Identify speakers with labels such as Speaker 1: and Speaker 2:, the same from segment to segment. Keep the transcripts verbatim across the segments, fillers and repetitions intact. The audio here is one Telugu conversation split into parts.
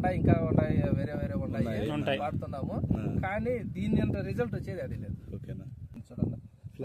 Speaker 1: ఉన్నాయి, ఇంకా ఉన్నాయి, వేరే వేరే ఉన్నాయి వాడుతున్నాము. కానీ దీని అంత రిజల్ట్ వచ్చేది అది లేదు. చూడండి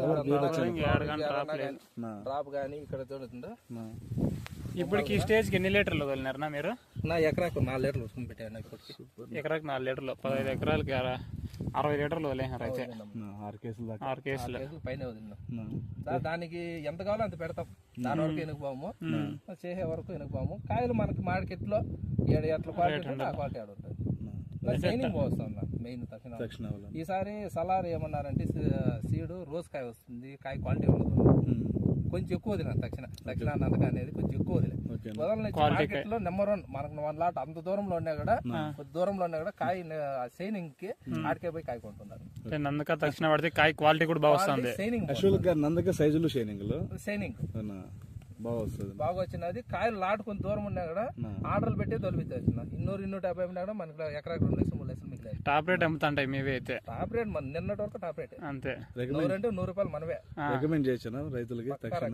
Speaker 1: డ్రాప్ కానీ ఇక్కడ చూడుతుందా.
Speaker 2: ఇప్పటికి ఈ స్టేజ్ కి ఎన్ని లీటర్లు వదిలినారనా మీరు?
Speaker 1: నా ఎకరాకు నాలుగు లీటర్లు ఉసుకుని పెట్టాను. ఇప్పటికి
Speaker 2: ఎకరాకు నాలుగు లీటర్లు, పదహైదు ఎకరాలకి అరవై లీటర్లు వదిలేసారు. అయితే ఆరు కేసులు
Speaker 1: పైన వదిలినాం. దానికి ఎంత కావాలో అంత పెడతాం. దాని వరకు ఎనుకుపోము, చేసే వరకు ఎనుకుపోము. కాయలు మనకి మార్కెట్ లో ఏడు ఎట్ల క్వాలిటీ ఉంటుంది, ఆ క్వాలిటీ ఆడ ఉంటుంది. షైనింగ్ వస్తుంది మెయిన్ తక్షణ. ఈసారి సలార్ ఏమన్నారంటే సీడు రోజు కాయ వస్తుంది, కాయ క్వాలిటీ ఉండదు. కొంచెం ఎక్కువ వదిలేదు తక్షణ తక్షణ నందక అనేది కొంచెం ఎక్కువ వదిలేదు. వదలని మార్కెట్ లో నెంబర్ వన్ మనకు వన్ లాట్ అంత దూరంలో ఉన్నా కూడా, కొద్ది దూరంలో ఉన్నా కూడా కాయ షైనింగ్ కి ఆడికే పోయి కాయ కొంటున్నారు.
Speaker 2: నందక తక్షణ పడితే కాయ క్వాలిటీ కూడా బాగా వస్తుంది.
Speaker 1: షైనింగ్
Speaker 3: నందక సైజులు షైనింగ్
Speaker 1: షైనింగ్
Speaker 3: బాగా వస్తుంది,
Speaker 1: బాగా వచ్చినది. కాయలు లాటు కొంత దూరం ఉన్నా కూడా ఆర్డర్లు పెట్టే తొలిపిస్తాయి. ఇన్నూరు ఇన్నూట యాభై ఉన్నా కూడా మనకి ఎకరాకి రెండు లక్షలు మూడు లక్షలు మిగిలేదు.
Speaker 2: టాప్ రేట్ అమ్ముతాంటాయి మీవి అయితే.
Speaker 1: టాప్ రేట్ మన నిన్నటి వరకు టాప్ రేట్
Speaker 2: అంతే.
Speaker 1: నూరు అంటే నూరు రూపాయలు మనమే
Speaker 3: రికమెండ్ చేసాను రైతులకి.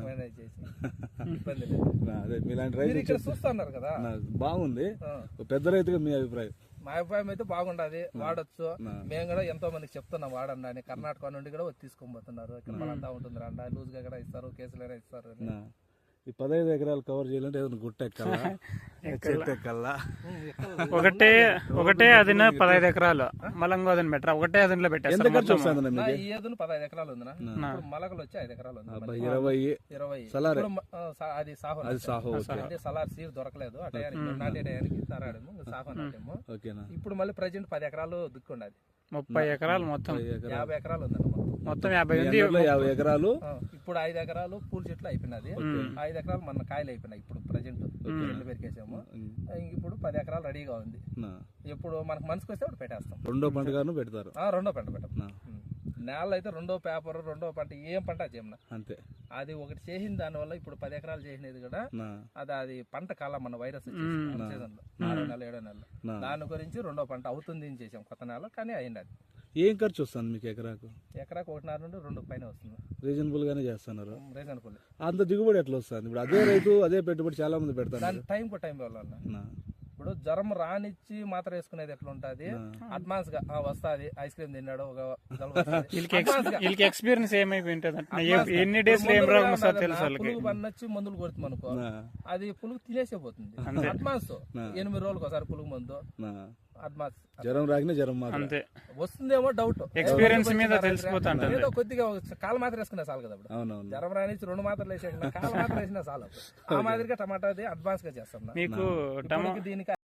Speaker 1: ఇబ్బంది లేదు.
Speaker 3: మీలాంటి రైతులు
Speaker 1: ఇక్కడ చూస్తున్నారు కదా,
Speaker 3: బాగుంది. పెద్ద రైతుగా మీ అభిప్రాయం?
Speaker 1: మా అభిప్రాయం అయితే బాగుండదు, వాడచ్చు. మేము కూడా ఎంతో మందికి చెప్తున్నాం వాడండి అని. కర్ణాటక నుండి కూడా తీసుకొని పోతున్నారు. ఇక్కడ మనంతా ఉంటుంది రండా, లూజ్ గా కూడా ఇస్తారు, కేసులైనా ఇస్తారు.
Speaker 3: ఈ పదహైదు ఎకరాలు కవర్ చేయాలంటే ఏదైనా గుట్ట ఎక్కాలా, చెట్టు ఎక్కాలా?
Speaker 2: ఒకటే ఒకటే అదిన పదహైదు ఎకరాలు మలంగా అదని పెట్టరా? ఒకటే అదిలో పెట్టేస్తారు.
Speaker 1: పదహైదు ఎకరాలు ఉంది. మలకలు వచ్చి ఐదు ఎకరాలు ఉంది.
Speaker 3: ఇరవై
Speaker 1: ఇరవై
Speaker 3: సలార్
Speaker 1: అది సాహో.
Speaker 3: అది సాహో
Speaker 1: అంటే సలార్ సీడ్ దొరకలేదు ఆ టయానికి, నాటే టయానికి తరాడము సాహో నాటేమో. ఇప్పుడు మళ్ళీ ప్రజెంట్ పది ఎకరాలు దిక్కుండది.
Speaker 2: ముప్పై ఎకరాలు మొత్తం
Speaker 1: యాభై ఎకరాలు ఉందండి.
Speaker 2: మొత్తం యాభై ఉంది.
Speaker 3: యాభై ఎకరాలు
Speaker 1: ఇప్పుడు ఐదు ఎకరాలు పూల చెట్లు అయిపోయినది. ఐదు ఎకరాలు మన కాయలు అయిపోయినాయి. ఇప్పుడు ప్రజెంట్ రెండు పెరికేసాము. ఇప్పుడు పది ఎకరాలు రెడీగా ఉంది. ఇప్పుడు మనకు మనసుకు వస్తే అప్పుడు పెట్టేస్తాం.
Speaker 3: రెండో పంటగాను పెడతారు.
Speaker 1: రెండో పంట పెట్టాం. నేల అయితే రెండో పేపర్ రెండో పంట ఏం పంట చేయమన్నా
Speaker 3: అంతే.
Speaker 1: అది ఒకటి చేసిన దాని వల్ల ఇప్పుడు పది ఎకరాలు చేసినది కూడా అది అది పంట కాలం మన వైరస్ సీజన్ లో ఆరో నెల ఏడో నెల దాని గురించి రెండో పంట అవుతుంది అని చేసాం కొత్త నెల. కానీ అయింది. అది
Speaker 3: ఏం ఖర్చు వస్తుంది మీకు ఎకరాకు?
Speaker 1: ఎకరాకు ఒకటిన్నర నుండి రెండు పైన వస్తుంది.
Speaker 3: రీజనబుల్ గానే చేస్తున్నారు.
Speaker 1: రీజనబుల్.
Speaker 3: అంత దిగుబడి ఎట్లా వస్తుంది? ఇప్పుడు అదే రైతు అదే పెట్టుబడి చాలా మంది పెడతారు.
Speaker 1: దాని టైం కు టైం వల్ల ఇప్పుడు జ్వరం రానిచ్చి మాత్రం వేసుకునేది ఎట్లా ఉంటది, అడ్వాన్స్ గా వస్తుంది. ఐస్ క్రీమ్ తిన్నాడు ఒక
Speaker 2: ఎక్స్పీరియన్స్ ఎన్ని డేస్
Speaker 1: పులుగు పన్నొచ్చి మందులు కొడుతుంది అనుకో, అది పులుగు తినేసే పోతుంది. అడ్వాన్స్ ఎనిమిది రోజులకు ఒకసారి పులుగు మందు అడ్వాన్స్.
Speaker 3: జ్వరం రాకినా జ్వరం
Speaker 2: అంతే
Speaker 1: వస్తుందేమో డౌట్.
Speaker 2: ఎక్స్పీరియన్స్ మీద తెలిసిపోతాను.
Speaker 1: ఏదో కొద్దిగా కాలు మాత్రం వేసుకున్నా చాలు కదా. ఇప్పుడు జ్వరం రానిచ్చి రెండు మాత్రలు వేసేసిన కాలు మాత్రం వేసినా చాలు. ఆ మాదిరిగా టమాటా అడ్వాన్స్ గా చేస్తాం.
Speaker 2: మీకు
Speaker 1: దీనికి